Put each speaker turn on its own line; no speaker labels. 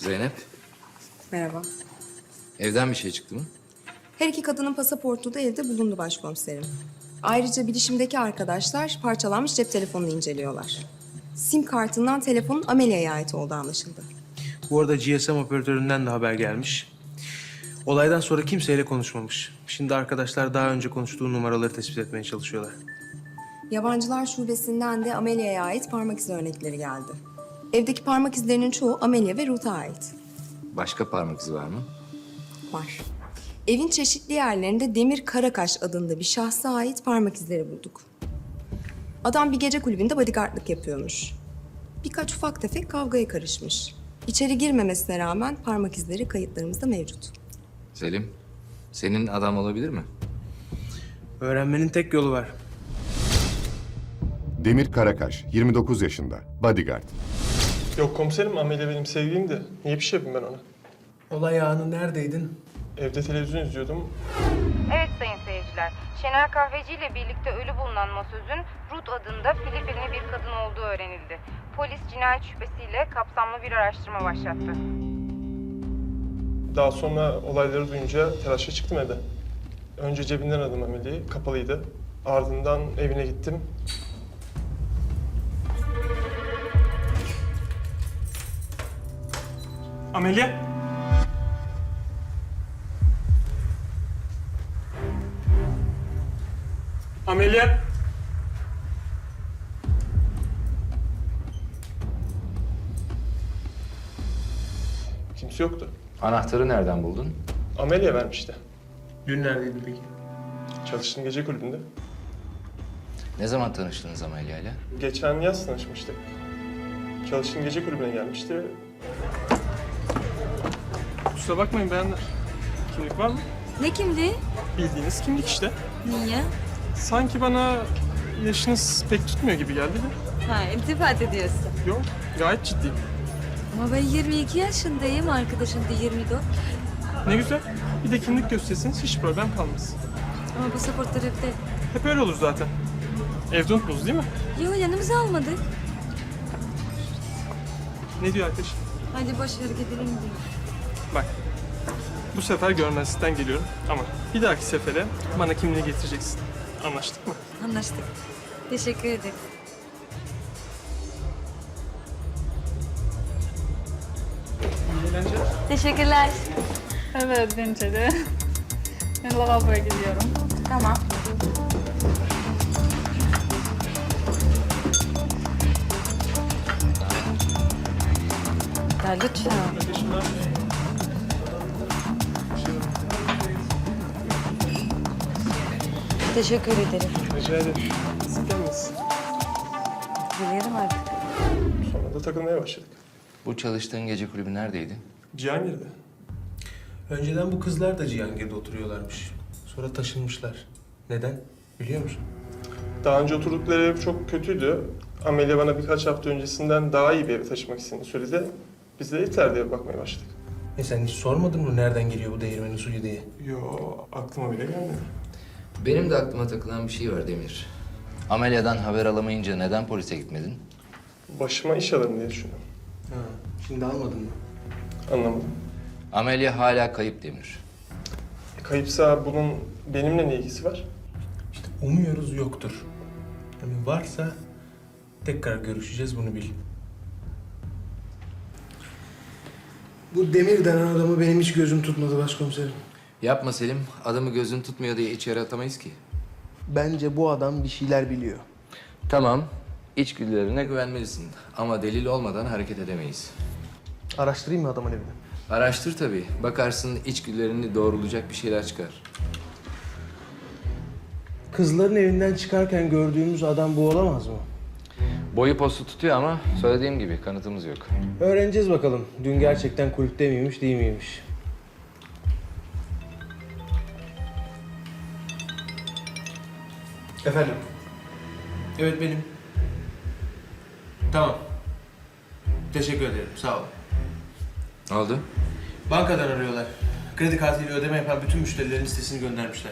Zeynep,
Merhaba.
evden bir şey çıktı mı?
Her iki kadının pasaportu da evde bulundu başkomiserim. Ayrıca bilişimdeki arkadaşlar parçalanmış cep telefonunu inceliyorlar. SIM kartından telefonun Amelia'ya ait olduğu anlaşıldı.
Bu arada GSM operatöründen de haber gelmiş. Olaydan sonra kimseyle konuşmamış. Şimdi arkadaşlar daha önce konuştuğu numaraları tespit etmeye çalışıyorlar.
Yabancılar şubesinden de Amelia'ya ait parmak izi örnekleri geldi. Evdeki parmak izlerinin çoğu Amelia ve Ruth'a ait.
Başka parmak izi var mı?
Var. Evin çeşitli yerlerinde Demir Karakaş adında bir şahsa ait parmak izleri bulduk. Adam bir gece kulübünde bodyguardlık yapıyormuş. Birkaç ufak tefek kavgaya karışmış. İçeri girmemesine rağmen parmak izleri kayıtlarımızda mevcut.
Selim, senin adam olabilir mi?
Öğrenmenin tek yolu var.
Demir Karakaş, 29 yaşında, bodyguard.
Yok komiserim, Amelia benim sevgilimdi. Niye bir şey yapayım ben ona?
Olay anı neredeydin?
Evde televizyon izliyordum.
Evet sayın seyirciler, Şener Kahveci ile birlikte ölü bulunan masözün Ruth adında Filipinli bir kadın olduğu öğrenildi. Polis cinayet şüphesiyle kapsamlı bir araştırma başlattı.
Daha sonra olayları duyunca telaşla çıktım evden. Önce cebinden aradım Amelia'yı, kapalıydı. Ardından evine gittim. Amelia! Amelia! Kimse yoktu.
Anahtarı nereden buldun?
Amelia vermişti.
Dün neredeydin peki?
Çalıştığım gece kulübünde.
Ne zaman tanıştınız Amelia ile?
Geçen yaz tanışmıştık. Çalıştığım gece kulübüne gelmişti. Kusura bakmayın beyanlar. Kimlik var mı?
Ne kimliği?
Bildiğiniz kimlik işte.
Niye?
Sanki bana yaşınız pek tutmuyor gibi geldi de.
Ha, iltifat ediyorsun.
Yok, gayet ciddiyim.
Ama ben 22 yaşındayım, arkadaşım da 24.
Ne güzel. Bir de kimlik gösterirseniz hiç problem kalmaz.
Ama pasaportlar evde.
Hep öyle olur zaten. Evde unuttunuz değil mi?
Yok, yanımıza almadık.
Ne diyor arkadaş?
Hadi boş ver gidelim diyor.
Bak, bu sefer görmezlikten geliyorum ama bir dahaki sefere bana kimliği getireceksin. Anlaştık mı?
Anlaştık. Teşekkür ederim.
İyi eğlenceler.
Teşekkürler.
Evet bence de. Ben lavaboya gidiyorum.
Tamam. Ya lütfen.
Kardeşim ne yapıyorsun?
Teşekkür ederim.
Rica ederim. Sık gelmesin.
Biliyorum artık.
Sonra da takılmaya başladık.
Bu çalıştığın gece kulübü neredeydi?
Cihangir'de.
Önceden bu kızlar da Cihangir'de oturuyorlarmış. Sonra taşınmışlar. Neden? Biliyor musun?
Daha önce oturdukları ev çok kötüydü. Amelia bana birkaç hafta öncesinden daha iyi bir eve taşımak istediğini söyledi. Biz de yeter diye bakmaya başladık.
Sen hiç sormadın mı nereden geliyor bu değirmenin suyu diye?
Yo, aklıma bile gelmedi.
Benim de aklıma takılan bir şey var Demir. Amelia'dan haber alamayınca neden polise gitmedin?
Başıma iş alırım diye düşündüm.
Ha, şimdi almadın mı?
Anlamadım.
Amelia hala kayıp Demir.
Kayıpsa bunun benimle ne ilgisi var?
İşte umuyoruz yoktur. Yani varsa tekrar görüşeceğiz, bunu bil. Bu Demir denen adamı benim hiç gözüm tutmadı başkomiserim.
Yapma Selim, adamı gözün tutmuyor diye içeri atamayız ki.
Bence bu adam bir şeyler biliyor.
Tamam, içgüdülerine güvenmelisin ama delil olmadan hareket edemeyiz.
Araştırayım mı adamın evini?
Araştır tabii, bakarsın içgüdülerini doğrulayacak bir şeyler çıkar.
Kızların evinden çıkarken gördüğümüz adam bu olamaz mı?
Boyu postu tutuyor ama söylediğim gibi kanıtımız yok.
Öğreneceğiz bakalım. Dün gerçekten kulüpte miymiş, değil miymiş? Efendim? Evet benim. Tamam. Teşekkür ederim. Sağ olun.
Ne oldu?
Bankadan arıyorlar. Kredi kartıyla ödeme yapan bütün müşterilerin listesini göndermişler.